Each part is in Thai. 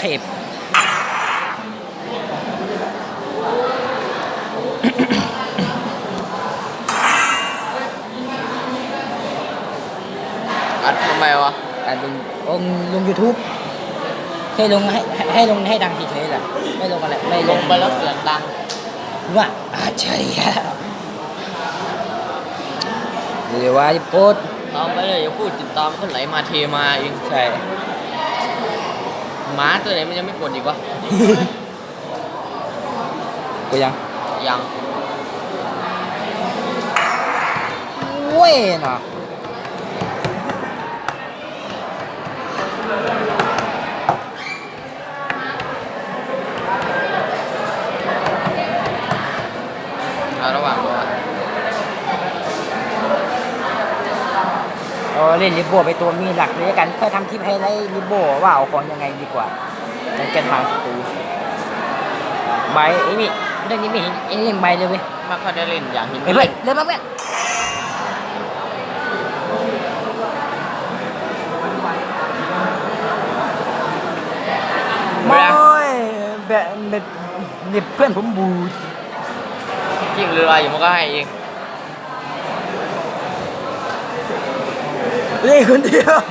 เทพอัดทำไมวะอัดลง YouTube แค่ลงให้ลงให้ดังเฉยๆแหละไม่ลงอะไรไม่ลงไปแล้วเสียงดังว่าอาจารย์เดี๋ยวว่าโพสเอาไปเลยอย่าพูดติดตามคนไหลมาเทมาเองใช่หมาตัวไหนมันยังไม่กดอีกวะกูยังเว้ยเนาะระหว่างเล่นลิโบไปตัวมีหลักเลยกันเพื่อทำคลิปให้ได้ลิโบว่าเอาของยังไงดีกว่าจะแก้ทางศัตรูใบไอ้นี่เรื่องนี้ไม่เห็นเอ็งเล่นใบเลยเว้ยไม่ค่อยได้เล่นอย่างเห็นเฮ้ยเล่นบ้างเว้ยแบบเพื่อนผมบูดจิ้งเรืออยู่มันก็ให้เองเล่นคนเดียว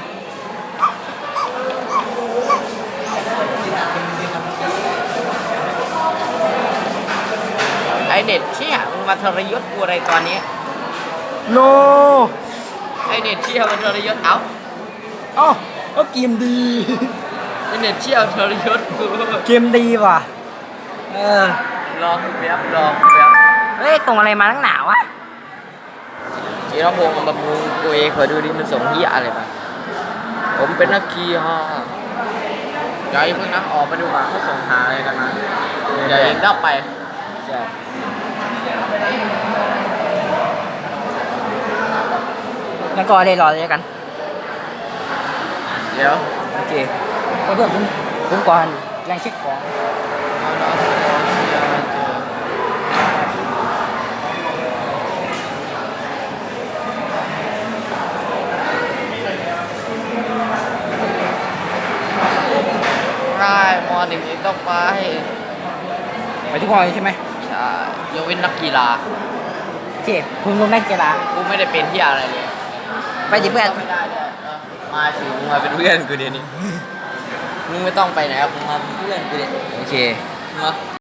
ไอเน็ตเชี่ยมึงมาทรยศกูอะไรตอนนี้โนไอเน็ตเชี่ยมันทรยศเอาเกมดีไอเน็ตเชี่ยทรยศกูเกมดีว่ะรอแป๊บเฮ้ยส่งอะไรมาตั้งหนาวะจีรพงศ์มันบำรุงกูเองขอดูดิมันส่งเหี้ยอะไรมาผมเป็นนักขี่ฮะเดี๋ยวเพิ่งนะออกไปดูว่าเขาส่งหาอะไรกันมาเดี๋ยวเองเล่าไปแล้วก็ได้รอเลยกันเดี๋ยวโอเคเพื่อนผมก่อนยังเช็คของได้ม.1เองต้องไปทุกคนใช่ไหมใช่ยกเว้นนักกีฬาโอเคคุณลงนักกีฬากูไม่ได้เป็นที่อะไรเลยไปดิเพื่อนไม่ได้เลยมาสิมึงมาเป็นเพื่อนกูเดี๋ยวนี้มึงไม่ต้องไปไหนมึงมาเป็นเพื่อนกูเดี๋ยวโอเคมา